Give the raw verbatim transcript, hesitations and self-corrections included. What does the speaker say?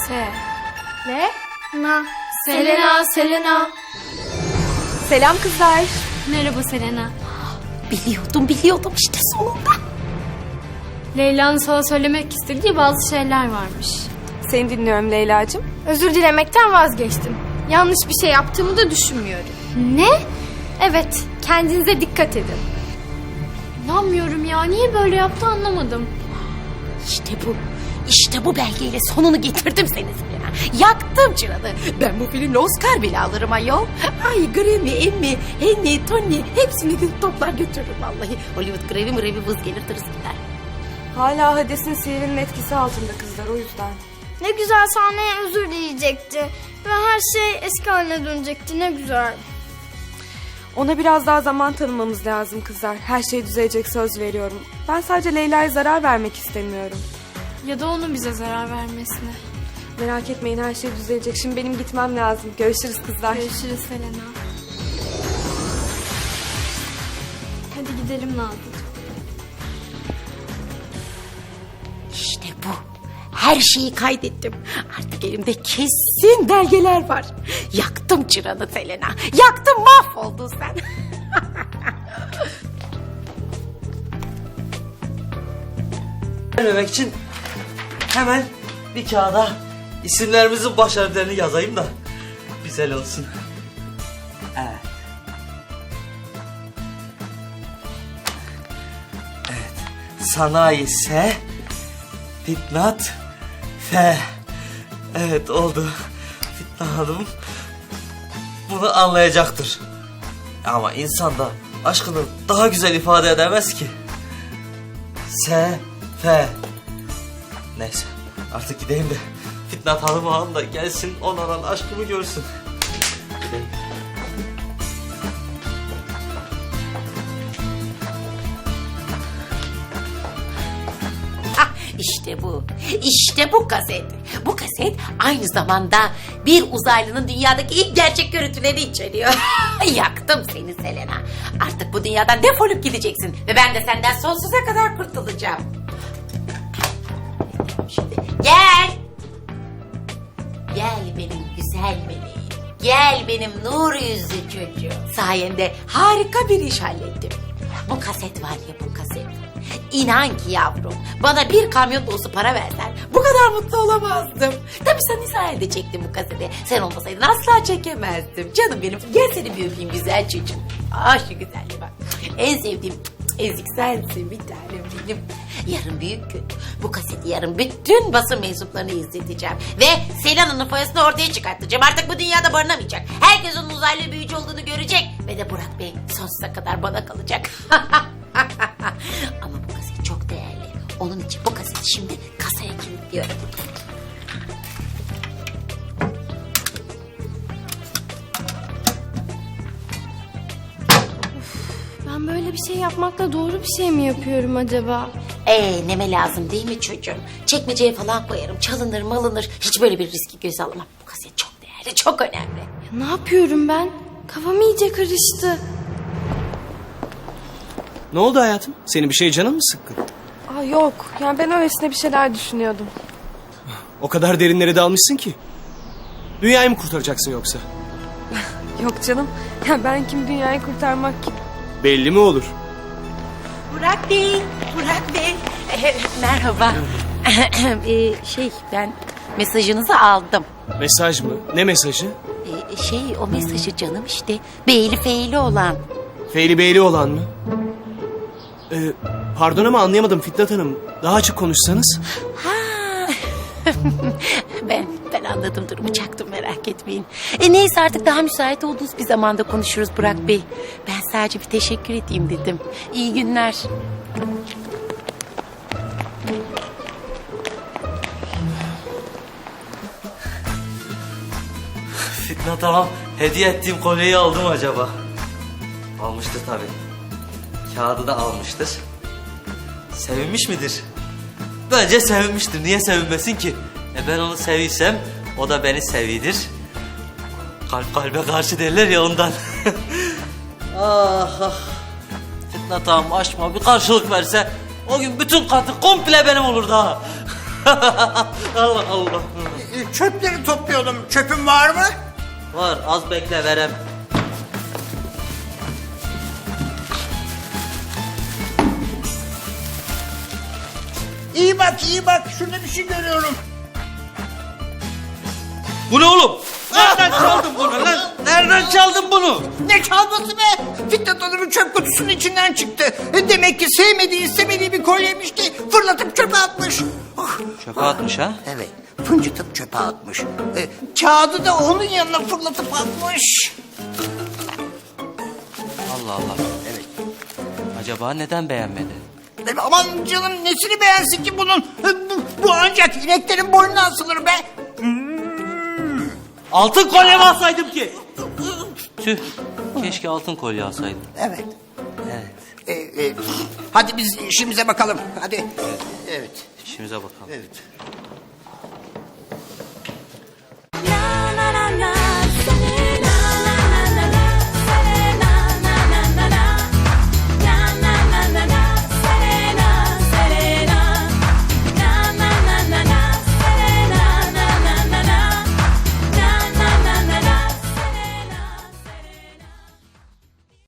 Se. Ne? Na. Selena, Selena. Selam kızlar. Merhaba Selena. Biliyordum, biliyordum işte sonunda. Leyla'nın sana söylemek istediği bazı şeyler varmış. Seni dinliyorum Leyla'cığım. Özür dilemekten vazgeçtim. Yanlış bir şey yaptığımı da düşünmüyorum. Ne? Evet, kendinize dikkat edin. İnanmıyorum ya. Niye böyle yaptı anlamadım. İşte bu. İşte bu belgeyle sonunu getirdim seni Selena. Yaktım çıranı. Ben bu filmle Oscar bile alırım ayol. Ay Grammy, Emmy, Henny, Tony hepsini toplar götürürüm vallahi. Hollywood Grammy mırevi vız gelir tırıs gider. Hala Hades'in sihirinin etkisi altında kızlar, o yüzden. Ne güzel sahneye özür dileyecekti. Ve her şey eski haline dönecekti. Ne güzel. Ona biraz daha zaman tanımamız lazım kızlar. Her şey düzelecek, söz veriyorum. Ben sadece Leyla'ya zarar vermek istemiyorum. Ya da onun bize zarar vermesine. Merak etmeyin, her şey düzelecek. Şimdi benim gitmem lazım. Görüşürüz kızlar. Görüşürüz Selena. Hadi gidelim Nazlıcığım. İşte bu. Her şeyi kaydettim. Artık elimde kesin belgeler var. Yaktım çıranı Selena. Yaktım, mahvoldun sen. Vermemek için hemen bir kağıda isimlerimizin baş harflerini yazayım da güzel olsun. Evet. Evet. Sanayi S, Fitnat F. Evet, oldu. Fitnat Hanım bunu anlayacaktır. Ama insan da aşkını daha güzel ifade edemez ki. S, F. Neyse, artık gideyim de Fitnat Hanım ağam da gelsin, ona olan aşkımı görsün. Gideyim. İşte bu. İşte bu kaset. Bu kaset aynı zamanda bir uzaylının dünyadaki ilk gerçek görüntüleri içeriyor. Yaktım seni Selena. Artık bu dünyadan defolup gideceksin. Ve ben de senden sonsuza kadar kurtulacağım. Şimdi gel. Gel benim güzel meleğim. Gel benim nur yüzlü çocuğum. Sayende harika bir iş hallettim. Bu kaset var ya, bu kaset. İnan ki yavrum, bana bir kamyon dolusu para versen bu kadar mutlu olamazdım. Tabii sen sayende çektin bu kaseti. Sen olmasaydın asla çekemezdim. Canım benim, gel seni bir öpeyim güzel çocuğum. Ah şu güzelliğe bak. En sevdiğim ezik sensin bir tanem benim. Yarın büyük gün. Bu kaseti yarın bütün basın mensuplarını izleteceğim. Ve Selena'nın foyasını ortaya çıkartacağım. Artık bu dünyada barınamayacak. Herkes onun uzaylı büyücü olduğunu görecek. Ve de Burak Bey sonsuza kadar bana kalacak. Ama bu kaset çok değerli. Onun için bu kaseti şimdi kasaya kilitliyorum. Ben böyle bir şey yapmakla doğru bir şey mi yapıyorum acaba? Ee, neme lazım değil mi çocuğum? Çekmeceye falan koyarım. Çalınır malınır. Hiç böyle bir riski göze alamam. Bu kaset çok değerli, çok önemli. Ya ne yapıyorum ben? Kafam iyice karıştı. Ne oldu hayatım? Senin bir şey canın mı sıkkın? Aa, yok, yani ben öylesine bir şeyler düşünüyordum. O kadar derinlere dalmışsın ki. Dünyayı mı kurtaracaksın yoksa? Yok canım, ya ben kim, dünyayı kurtarmak kim? Belli mi olur? Burak Bey, Burak Bey. Ee, merhaba. ee, şey, ben mesajınızı aldım. Mesaj mı? Ne mesajı? Ee, şey, o mesajı canım işte. Beyli feyli olan. Feyli beyli olan mı? Ee, pardon ama anlayamadım Fitnat Hanım. Daha açık konuşsanız. Ha. ben ben anladım, durumu çaktım, merak etmeyin. E neyse, artık daha müsait olduğunuz bir zamanda konuşuruz Burak Bey. Ben sadece bir teşekkür edeyim dedim. İyi günler. Fitnat Hanım, hediye ettiğim kolyeyi aldım acaba? Almıştır tabii. Kağıdı da almıştır. Sevinmiş midir? Bence sevinmiştir. Niye sevinmesin ki? E ben onu seviysem o da beni sevidir. Kalp kalbe karşı derler ya, ondan. ah ah. Fitnat Hanım aşkıma bir karşılık verse o gün bütün katı komple benim olurdu ha. Allah Allah. E, Çöpleri topluyordum. Çöpün var mı? Var, az bekle verem. İyi bak, iyi bak. Şurada bir şey görüyorum. Bu ne oğlum? Nereden çaldın bunu lan? Nereden çaldın bunu? Ne çalması be? Fitnat Hanım'ın çöp kutusunun içinden çıktı. E, Demek ki sevmediği, istemediği bir kolyeymiş ki fırlatıp çöpe atmış. Ah, Çöpe atmış ha? evet, fıncıtıp çöpe atmış. E, kağıdı da onun yanına fırlatıp atmış. Allah Allah. Evet. Acaba neden beğenmedi? E, aman canım nesini beğensin ki bunun? E, bu, bu ancak ineklerin boynuna asılır be. Altın kolye mi alsaydım ki? Tüh. Keşke altın kolye alsaydım. Evet. Evet. E, e, hadi biz işimize bakalım. Hadi. Evet. İşimize bakalım. Evet.